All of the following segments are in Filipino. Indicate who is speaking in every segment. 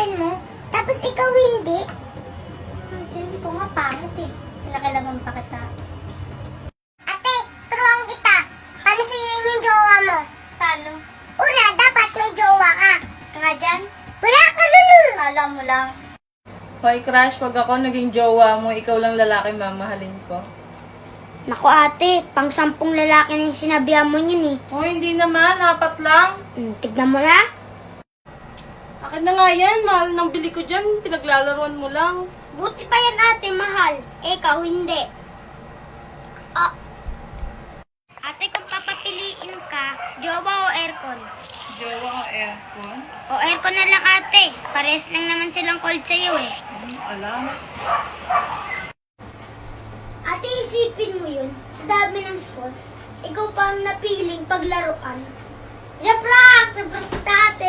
Speaker 1: pangalan mo, tapos ikaw hindi. Hindi ko nga pangit eh. Pinakilaman pa kita. Ate, turuan kita. Paano suyuin yung jowa mo? Paano? Una, dapat may jowa ka. Gusto nga dyan? Wala ka nun eh. Alam mo lang.
Speaker 2: Hoy, Crush, pag ako naging jowa mo, ikaw lang lalaki mamahalin ko.
Speaker 1: Naku ate, pang 10 lalaki na yung sinabihan mo niyan eh.
Speaker 2: Hoy, hindi naman. 4 lang.
Speaker 1: Tignan mo na.
Speaker 2: Akin na nga yan. Mahal ng bili ko dyan. Pinaglalaruan mo lang.
Speaker 1: Buti pa yan ate, mahal. Ikaw hindi. Ah. Ate, kung papapiliin ka, jowa o aircon?
Speaker 2: Jowa o aircon?
Speaker 1: O aircon na lang ate. Pares lang naman silang cold sa'yo eh.
Speaker 2: Alam.
Speaker 1: Ate, isipin mo yun. Sa dami ng sports, ikaw pa ang napiling paglaruan. Sa prank! Nabrank kita ate.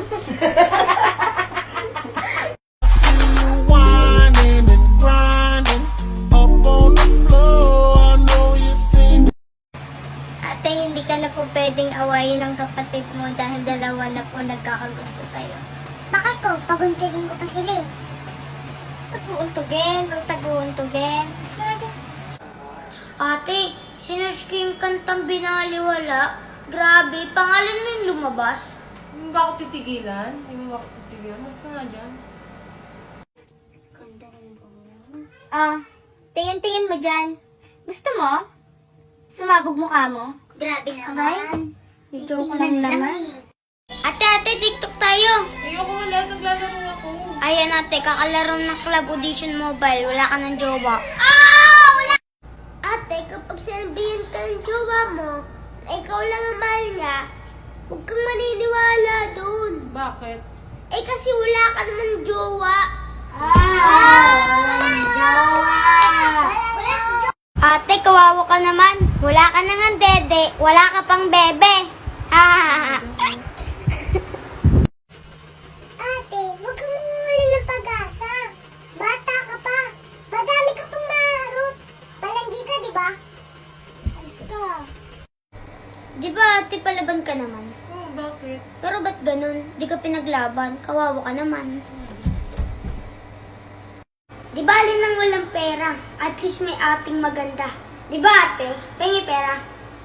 Speaker 3: Whining and grinding up on the floor. I know you seen.
Speaker 1: Ate, hindi ka na po pwedeng awayin ng kapatid mo dahil dalawa na po nagkakagusto sa'yo. Bakit ko? Paguntugin ko pa sila eh. Pag-uuntugin, pag-taguuntugin. Mas nga dyan. Ate, sinerge ko yung kantang binaliwala. Grabe, pangalan mo yung lumabas.
Speaker 2: Hindi ba ako titigilan? Hindi mo ba ako titigilan? Mas na nga dyan.
Speaker 1: Tingin-tingin mo dyan. Gusto mo? Sumabog mukha mo? Grabe naman. Video ko lang naman. Ate, TikTok tayo.
Speaker 2: Ayoko wala. Naglalaro ako.
Speaker 1: Ayan ate, kakalaro ng Club Audition Mobile. Wala ka ng jowa. Wala! Ate, kapag sinabihan ka ng jowa mo, ikaw lang ang mahal niya, huwag kang maniniwala dun.
Speaker 2: Bakit?
Speaker 1: Kasi wala ka naman jowa. Ate, kawawa ka naman. Wala ka na nga dede. Wala ka pang bebe. Ate, huwag kang manguli ng pag-asa. Bata ka pa. Madami ka pang maharot. Palandi ka, di ba? Ayos ka. Di ba, ate, palaban ka naman?
Speaker 2: Oh, bakit?
Speaker 1: Pero ba't ganun? Di ka pinaglaban. Kawawa ka naman. Di ba alin nang walang pera? At least may ating maganda. Di ba ate? Pengi pera.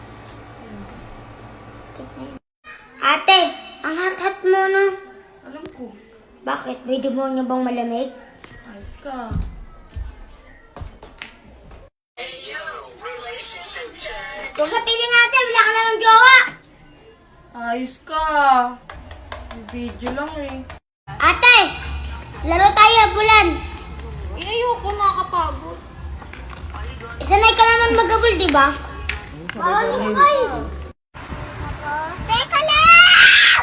Speaker 1: Ate, ang hat-hat mo no?
Speaker 2: Alam ko.
Speaker 1: Bakit? May demonyo bang malamig?
Speaker 2: Ayos ka.
Speaker 1: Huwag ka piling ate, wala ka namang jowa.
Speaker 2: Ayos ka. Video lang eh.
Speaker 1: Ate, laro tayo, bulan.
Speaker 2: Ayoko, nakakapagod.
Speaker 1: Isanay ka naman mag-abol, di ba? Ano kayo? Teka lang!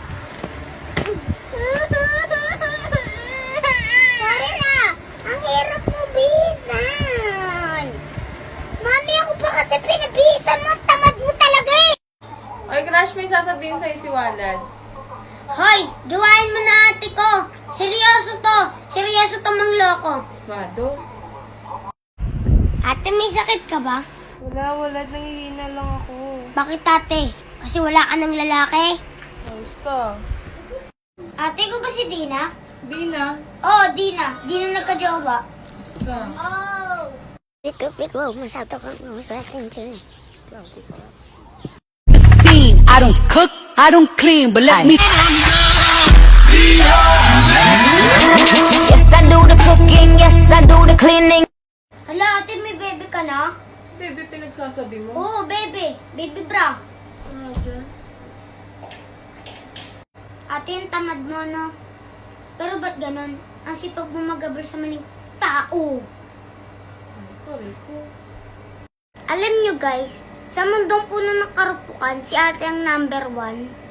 Speaker 1: Sorry na! Ang hirap mo bihisan! Mami, ako pa kasi pinabihisan mo! Tamad mo talaga eh!
Speaker 2: Oy, Crush, may sasabihin sa'yo si Walad.
Speaker 1: Hoy! Jowain mo na ate ko! Seryoso to! Seryoso to mangloko!
Speaker 2: Smado.
Speaker 1: Ate, may sakit ka ba?
Speaker 2: Wala. Nangihina lang ako.
Speaker 1: Bakit ate? Kasi wala ka ng lalaki?
Speaker 2: Ayos ka.
Speaker 1: Ate ko ba si Dina?
Speaker 2: Di na.
Speaker 1: Oo, Dina. Dina nagka-jowa.
Speaker 2: Ayos ka.
Speaker 1: Oh! Pito, masyado kang masakit yun eh.
Speaker 4: I don't cook, I don't clean, but let me. Yes, I do the cooking, yes, I do the cleaning.
Speaker 1: Hala, ate, may baby ka na?
Speaker 2: Baby, pinagsasabi mo?
Speaker 1: Oo, baby. Baby bra.
Speaker 2: Ano dyan?
Speaker 1: Ate, yung tamad mo, no? Pero ba't ganun? Ang sipag mo mag-abol sa maling tao.
Speaker 2: Sorry ko.
Speaker 1: Alam nyo guys, sa mundong puno ng karupukan, si ate ang number 1.